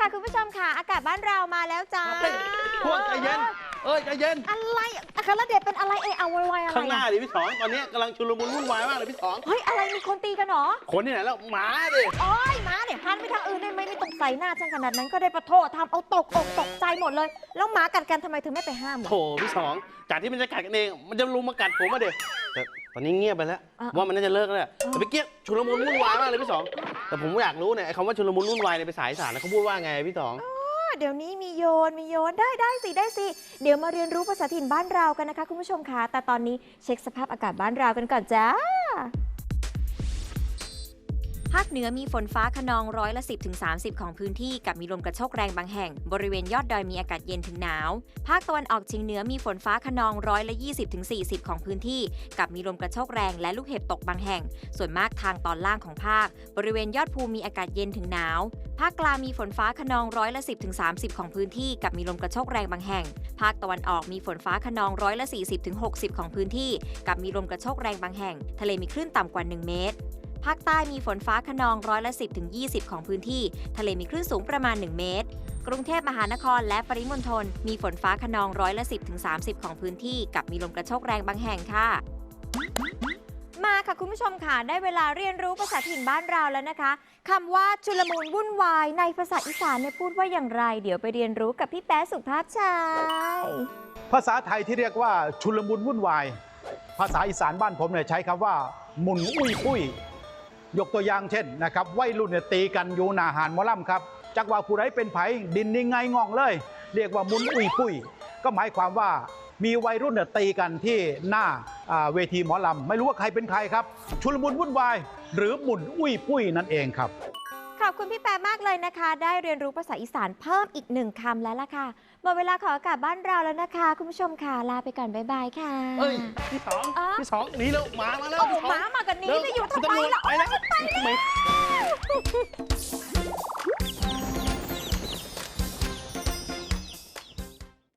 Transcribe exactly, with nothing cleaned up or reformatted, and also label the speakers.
Speaker 1: คุณผู้ชมค่ะอากาศบ้านเรามาแล้วจ้า
Speaker 2: พวกใจเย็นเอ้ยใจเย็น
Speaker 1: อะไรอัครเดชเป็นอะไรเอยเอาไวๆอะไร
Speaker 2: ข้างหน้าดิพี่สองตอนนี้กำลังชุลมุนวุ่นวายมากเลยพี่สอง
Speaker 1: เฮ้ยอะไรมีคนตีกันเหรอ
Speaker 2: คนที่ไหนแล้วหมาดิ
Speaker 1: โอ้ยม้าเนี่ยหันไปทางอื่นได้ไหมไม่ต้องใส่หน้าฉันขนาดนั้นก็ได้ปะโทษทำเอาตกอกตกใจหมดเลยแล้วหมากัดกันทำไมเธอไม่ไปห้าม
Speaker 2: โถพี่สองจากที่มันจะกัดกันเองมันจะลุมมากัดผมมาเด็แต่ตอนนี้เงียบไปแล้วว่ามันน่าจะเลิกแล้วแต่เมื่อกี้ชุลมุนวุ่นวายมากเลยพี่สองแต่ผมอยากรู้เนี่ยไอ้คำว่าชุลมุนวุ่นวายเนี่ยไปสายสารแล้วเขาพูดว่าไงพี่สอง
Speaker 1: เดี๋ยวนี้มีโยนมีโยนได้ได้สิได้สิเดี๋ยวมาเรียนรู้ภาษาถิ่นบ้านเรากันนะคะคุณผู้ชมคะแต่ตอนนี้เช็คสภาพอากาศบ้านเรากันก่อนจ้าภาคเหนือมีฝนฟ้าคะนองร้อยละสิบถึงสามสิบของพื้นที่กับมีลมกระโชกแรงบางแห่งบริเวณยอดดอยมีอากาศเย็นถึงหนาวภาคตะวันออกเฉียงเหนือมีฝนฟ้าคะนองร้อยละยี่สิบถึงสี่สิบของพื้นที่กับมีลมกระโชกแรงและลูกเห็บตกบางแห่งส่วนมากทางตอนล่างของภาคบริเวณยอดภูมีอากาศเย็นถึงหนาวภาคกลางมีฝนฟ้าคะนองร้อยละสิบถึงสามสิบของพื้นที่กับมีลมกระโชกแรงบางแห่งภาคตะวันออกมีฝนฟ้าคะนองร้อยละสี่สิบถึงหกสิบของพื้นที่กับมีลมกระโชกแรงบางแห่งทะเลมีคลื่นต่ำกว่าหนึ่งเมตรภาคใต้มีฝนฟ้าคะนองร้อยละสิบถึงยี่สิบของพื้นที่ทะเลมีคลื่นสูงประมาณหนึ่งเมตรกรุงเทพมหานครและปริมณฑลมีฝนฟ้าคะนองร้อยละสิบถึงสามสิบของพื้นที่กับมีลมกระโชกแรงบางแห่งค่ะมาค่ะคุณผู้ชมค่ะได้เวลาเรียนรู้ภาษาถิ่นบ้านเราแล้วนะคะคำว่าชุลมุนวุ่นวายในภาษาอีสานเนี่ยพูดว่าอย่างไรเดี๋ยวไปเรียนรู้กับพี่แป๊ะสุภาพชัย
Speaker 3: ภาษาไทยที่เรียกว่าชุลมุนวุ่นวายภาษาอีสานบ้านผมเนี่ยใช้คำว่าหมุนอุ้ยปุ้ยยกตัวอย่างเช่นนะครับวัยรุ่นเนี่ยตีกันอยู่หน้าหานหมอลำครับจักว่าผู้ใดเป็นไผดินนิ่งไงงองเลยเรียกว่าหมุนอุ้ยปุ้ยก็หมายความว่ามีวัยรุ่นเนี่ยตีกันที่หน้าเวทีหมอลำไม่รู้ว่าใครเป็นใครครับชุลมุนวุ่นวายหรือหมุนอุ้ยปุ้ยนั่นเองครับ
Speaker 1: ขอบคุณพี่แป๊ะมากเลยนะคะได้เรียนรู้ภาษาอีสานเพิ่มอีกหนึ่งคำแล้วล่ะค่ะหมดเวลาของอากาศบ้านเราแล้วนะคะคุณผู้ชมค่ะลาไปก่อนบ๊ายบายค่ะ
Speaker 2: เอ้ยพี่สองพี่สองหนีแล้วหมามาแล้ว
Speaker 1: โอ้หมามากันนี้จะอยู่ทำไมล่ะ
Speaker 2: ไปแล้ว